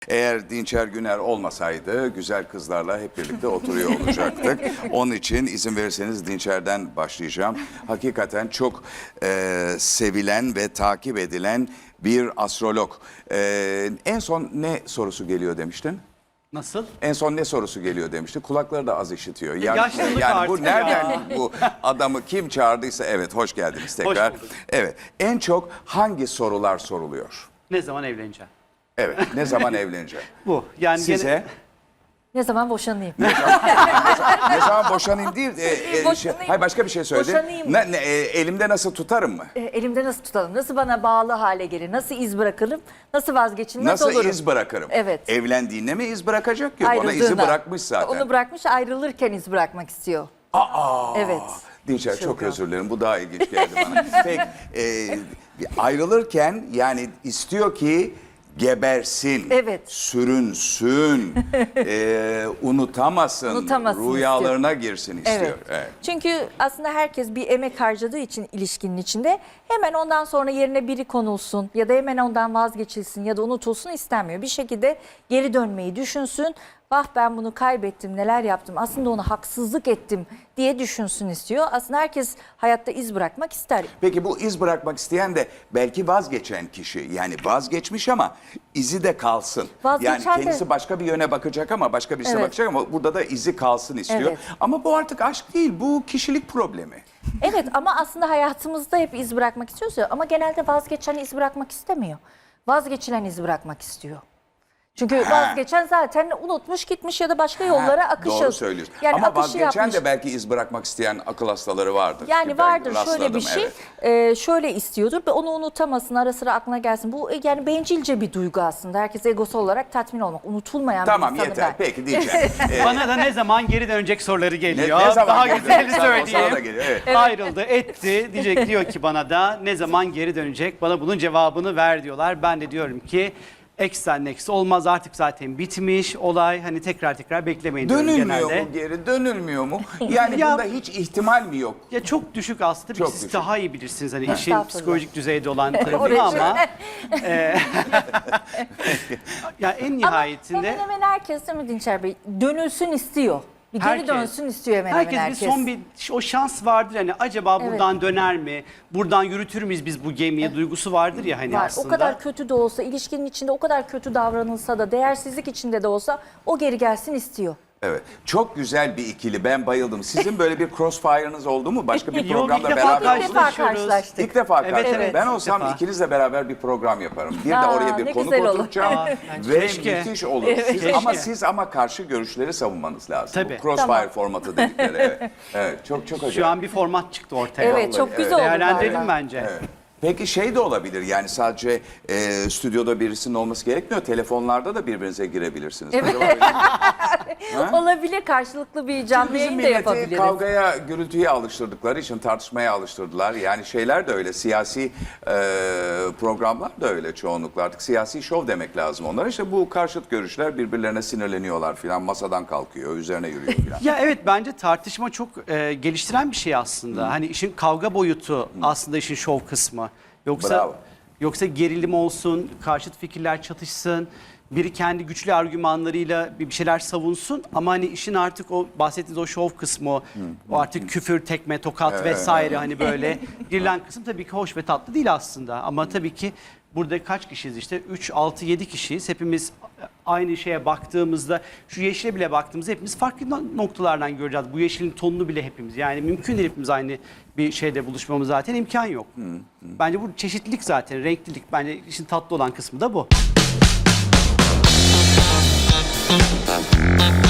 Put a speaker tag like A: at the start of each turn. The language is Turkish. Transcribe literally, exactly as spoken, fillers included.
A: Eğer Dinçer Güner olmasaydı güzel kızlarla hep birlikte oturuyor olacaktık. Onun için izin verirseniz Dinçer'den başlayacağım. Hakikaten çok e, sevilen ve takip edilen bir astrolog. E, en son ne sorusu geliyor demiştin?
B: Nasıl?
A: En son ne sorusu geliyor demişti. Kulakları da az işitiyor. Yani,
B: Yaşlılık
A: yani bu
B: artık
A: nereden
B: ya.
A: bu adamı kim çağırdıysa evet hoş geldiniz tekrar.
B: bulduk.
A: Evet. En çok hangi sorular soruluyor?
B: Ne zaman evleneceğim?
A: Evet. Ne zaman evleneceğim?
B: Bu. Yani
A: Size
B: gene-
C: Ne zaman boşanayım?
A: ne zaman boşanayım değil. E, e, şey,
C: Boşanayım.
A: hayır başka bir şey söyledin.
C: Boşanayım.
A: Ne, ne, e, elimde nasıl tutarım mı?
C: E, elimde nasıl tutalım? Nasıl bana bağlı hale gelir? Nasıl iz bırakırım? Nasıl vazgeçirim? Nasıl,
A: Nasıl
C: olurum?
A: iz bırakırım?
C: Evet.
A: Evlendiğinde mi iz bırakacak ki? Bana izi
C: Ayrıldığında.
A: bırakmış zaten.
C: Onu bırakmış, ayrılırken iz bırakmak istiyor.
A: Aa,
C: Evet.
A: Dinçer
C: Çok
A: çok
C: ya.
A: özür dilerim. Bu daha ilginç geldi bana. Peki e, ayrılırken yani istiyor ki gebersin,
C: Evet.
A: sürünsün, e, unutamasın,
C: Unutamasın
A: rüyalarına girsin istiyor.
C: Evet.
A: Evet.
C: Çünkü aslında herkes bir emek harcadığı için ilişkinin içinde hemen ondan sonra yerine biri konulsun ya da hemen ondan vazgeçilsin ya da unutulsun istemiyor. Bir şekilde geri dönmeyi düşünsün. Vah ben bunu kaybettim, neler yaptım, aslında ona haksızlık ettim diye düşünsün istiyor. Aslında herkes hayatta iz bırakmak ister.
A: Peki bu iz bırakmak isteyen de belki vazgeçen kişi. Yani vazgeçmiş ama izi de kalsın.
C: Vazgeçen
A: yani
C: de-
A: kendisi başka bir yöne bakacak ama başka birisine
C: Evet.
A: bakacak ama burada da izi kalsın istiyor.
C: Evet.
A: Ama bu artık aşk değil, bu kişilik problemi.
C: Evet ama aslında hayatımızda hep iz bırakmak istiyoruz ya, ama genelde vazgeçen iz bırakmak istemiyor. Vazgeçilen iz bırakmak istiyor. Çünkü
A: Ha.
C: vazgeçen zaten unutmuş gitmiş ya da başka yollara
A: Ha,
C: akışı.
A: Doğru söylüyorsun.
C: Yani
A: ama
C: akışı
A: vazgeçen
C: yapmış.
A: de belki iz bırakmak isteyen akıl hastaları vardır.
C: Yani
A: Ben
C: vardır şöyle
A: rastladım,
C: bir şey,
A: evet.
C: e, şöyle istiyordur ve onu unutamasın, ara sıra aklına gelsin. Bu e, yani bencilce bir duygu aslında. Herkes egosu olarak tatmin olmak, unutulmayan
A: Tamam
C: bir insanı
A: yeter
C: ben.
A: peki diyeceğim. Ee,
B: Bana da ne zaman geri dönecek soruları
A: ne,
B: geliyor.
A: ne zaman
B: Daha
A: geliyor?
B: güzelini
A: Sana- sana da
B: söyleyeyim.
A: geliyor, evet.
B: Ayrıldı, etti. Diyecek diyor ki bana da ne zaman geri dönecek? Bana bunun cevabını ver diyorlar. Ben de diyorum ki eksen eksi olmaz, artık zaten bitmiş olay. Hani tekrar tekrar beklemeyin diyorum
A: Dönülmüyor
B: genelde.
A: mu geri? Dönülmüyor mu? Yani
B: Ya-
A: bunda hiç ihtimal mi yok?
B: Ya çok düşük aslında.
A: Çok
B: Siz
A: düşük.
B: daha iyi bilirsiniz hani işin
C: Estağfurullah.
B: psikolojik düzeyde olan
C: Oraya
B: tarafını ama
C: şöyle.
B: e, ya en
C: Ama
B: nihayetinde
C: hemen hemen herkes, değil mi Dinçer Bey, dönülsün istiyor. Bir geri
B: Herkes.
C: dönsün istiyor hemen
B: herkes,
C: hemen herkes.
B: bir son bir o şans vardır hani acaba
C: Evet.
B: buradan döner mi? Buradan yürütür müyüz biz bu gemiyi duygusu vardır ya hani
C: Var.
B: aslında.
C: O kadar kötü de olsa, ilişkinin içinde o kadar kötü davranılsa da, değersizlik içinde de olsa o geri gelsin istiyor.
A: Evet. Çok güzel bir ikili. Ben bayıldım. Sizin böyle bir crossfire'ınız oldu mu? Başka bir
B: Yok,
A: programda
B: ilk defa
A: beraber
C: İlk
A: oldunuz?
C: defa
B: karşılaşıyoruz.
C: karşılaştık.
A: İlk defa
B: Evet,
A: karşılaştık.
B: evet,
A: Ben
B: ilk
A: olsam
B: defa.
A: ikinizle beraber bir program yaparım. Bir de
C: Aa,
A: oraya bir
C: ne
A: konuk
C: güzel olur.
A: oturtacağım.
B: Aa,
A: Ve
B: keşke.
A: müthiş olur.
C: Evet.
A: Siz,
B: Keşke.
A: ama siz ama karşı görüşleri savunmanız lazım.
B: Tabii.
A: Bu crossfire
C: Tamam.
A: formatı dedikleri. Evet. Evet. Çok çok acayip.
B: Şu an bir format çıktı ortaya.
C: Evet,
A: Vallahi,
C: çok
A: evet.
C: güzel oldu.
B: Değerlendirelim
C: vallahi.
B: bence.
A: Evet. Peki şey de olabilir yani sadece e, stüdyoda birisinin olması gerekmiyor. Telefonlarda da birbirinize girebilirsiniz.
C: Evet.
A: Acaba-
C: Olabilir, karşılıklı bir canlı
A: Bizim
C: yayın da
A: milleti
C: yapabiliriz.
A: kavgaya, gürültüye alıştırdıkları için tartışmaya alıştırdılar. Yani şeyler de öyle, siyasi e, programlar da öyle çoğunlukla. Artık siyasi şov demek lazım onlara. İşte bu karşıt görüşler birbirlerine sinirleniyorlar filan, masadan kalkıyor, üzerine yürüyor filan.
B: Ya evet bence tartışma çok e, geliştiren bir şey aslında. Hani işin kavga boyutu aslında işin şov kısmı. Yoksa
A: Bravo.
B: yoksa gerilim olsun, karşıt fikirler çatışsın. Biri kendi güçlü argümanlarıyla bir bir şeyler savunsun ama hani işin artık o bahsettiğiniz o şov kısmı, o, o artık küfür, tekme, tokat
A: Evet,
B: vesaire
A: evet.
B: hani böyle girilen kısım tabii ki hoş ve tatlı değil aslında. Ama tabii ki burada kaç kişiyiz işte üç, altı, yedi kişiyiz. Hepimiz aynı şeye baktığımızda şu yeşile bile baktığımızda hepimiz farklı no- noktalardan göreceğiz. Bu yeşilin tonunu bile hepimiz yani mümkün değil hepimiz aynı bir şeyde buluşmamız zaten imkan yok. Bence bu çeşitlilik zaten renklilik bence işin tatlı olan kısmı da bu.